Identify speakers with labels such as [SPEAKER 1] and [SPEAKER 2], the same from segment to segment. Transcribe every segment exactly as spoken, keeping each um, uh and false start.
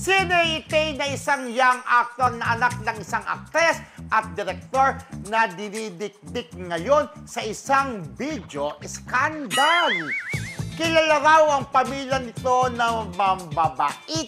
[SPEAKER 1] Si Nate na isang young actor na anak ng isang aktres at direktor na dinidikdik ngayon sa isang video skandal. Kilala raw ang pamilya nito na mambabait.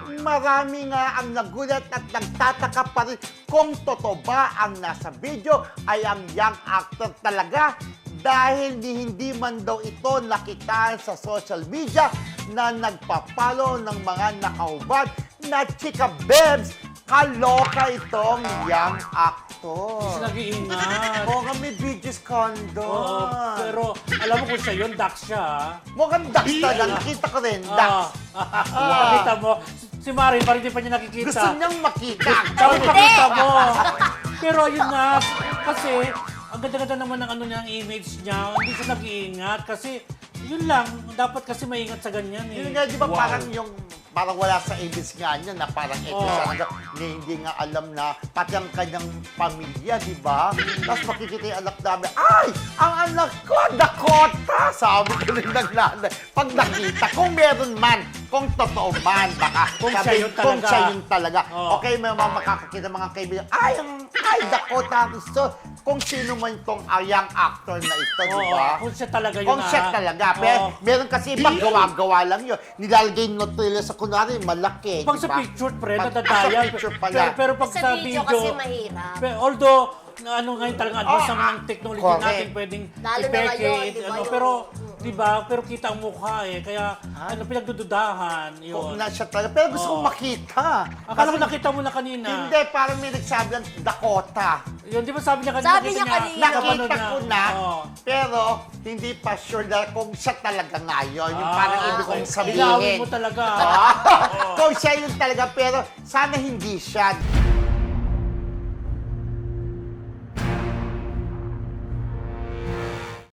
[SPEAKER 1] Marami nga ang nagulat at nagtataka pa rin kung totoo ba ang nasa video ay ang young actor talaga dahil ni hindi man daw ito nakitaan sa social media na nagpapalo ng mga nakaubad na chika bebs. Kaloka itong young actor.
[SPEAKER 2] Kasi nag-iingat.
[SPEAKER 1] Oo nga, may video scandal.
[SPEAKER 2] Oo, pero alam mo kung siya yun, Dax siya. ah.
[SPEAKER 1] Mukhang Dax talaga. Nakita ko rin, Dax.
[SPEAKER 2] Ah. Nakita mo, si Marin parang hindi pa niya nakikita.
[SPEAKER 1] Gusto niyang makita.
[SPEAKER 2] Dapat makita mo. Pero yun na, kasi ang ganda-ganda naman ng ano niya, ang image niya. Hindi siya nag-iingat kasi yun lang, dapat kasi maingat sa ganyan eh.
[SPEAKER 1] Yun nga, di ba
[SPEAKER 2] Wow.
[SPEAKER 1] parang yung, parang wala sa image nga niya na parang ito
[SPEAKER 2] Oo.
[SPEAKER 1] siya na, na hindi nga alam na pati ang kanyang pamilya, di ba? Tapos makikita yung anak namin, ay! Ang anak ko, Dakota! Sabi ko rin ng nanay. Pag nakita, kung meron man, kung totoo man, baka
[SPEAKER 2] Kung
[SPEAKER 1] sabi,
[SPEAKER 2] siya yun
[SPEAKER 1] kung
[SPEAKER 2] talaga.
[SPEAKER 1] siya yun talaga.
[SPEAKER 2] Oo.
[SPEAKER 1] Okay, may mga makakakita mga kaibigan, ay, ang, ay, Dakota! So, kung sino man itong uh, young actor na ito, di
[SPEAKER 2] Oo,
[SPEAKER 1] ba?
[SPEAKER 2] kung siya talaga yun
[SPEAKER 1] Kung siya
[SPEAKER 2] ah.
[SPEAKER 1] talaga. Pero
[SPEAKER 2] Oo.
[SPEAKER 1] meron kasi ibang gawa-gawa lang yun. Nilalagay yung notilla sa kunwari, malaki.
[SPEAKER 2] Pag
[SPEAKER 1] di
[SPEAKER 2] sa
[SPEAKER 1] ba?
[SPEAKER 2] picture, pre,
[SPEAKER 1] Pag-
[SPEAKER 2] nadadaya.
[SPEAKER 1] Sa picture pala.
[SPEAKER 2] Pero, pero pag
[SPEAKER 3] Sa
[SPEAKER 2] sa,
[SPEAKER 3] video kasi mahirap.
[SPEAKER 2] Pero, although, na ano ngayon talagang advance
[SPEAKER 1] Oh,
[SPEAKER 2] naman
[SPEAKER 1] ah,
[SPEAKER 2] ng technology
[SPEAKER 1] correct.
[SPEAKER 2] natin, pwedeng
[SPEAKER 3] Lalo na
[SPEAKER 2] ipeke,
[SPEAKER 3] ngayon, di ba,
[SPEAKER 2] ano,
[SPEAKER 3] yung-
[SPEAKER 2] pero, di ba, pero kita ang mukha eh, kaya,
[SPEAKER 1] Ah.
[SPEAKER 2] ano, pinagdududahan,
[SPEAKER 1] Kung
[SPEAKER 2] yun.
[SPEAKER 1] na siya talaga. Pero gusto
[SPEAKER 2] Oo.
[SPEAKER 1] kong makita.
[SPEAKER 2] Akala ko nakita mo na kanina.
[SPEAKER 1] Hindi, parang may nagsabi lang, Dakota.
[SPEAKER 2] Yun, di ba sabi niya kanina?
[SPEAKER 3] Sabi
[SPEAKER 2] nakita
[SPEAKER 3] niya kanina.
[SPEAKER 2] napanood
[SPEAKER 1] Nakita ko na,
[SPEAKER 2] Oo.
[SPEAKER 1] pero hindi pa sure na kung siya talaga ngayon. Yung
[SPEAKER 2] Ah,
[SPEAKER 1] parang ibig kong
[SPEAKER 2] okay.
[SPEAKER 1] sabihin.
[SPEAKER 2] Linawin mo talaga.
[SPEAKER 1] Ah, kung siya yun talaga, pero sana hindi siya.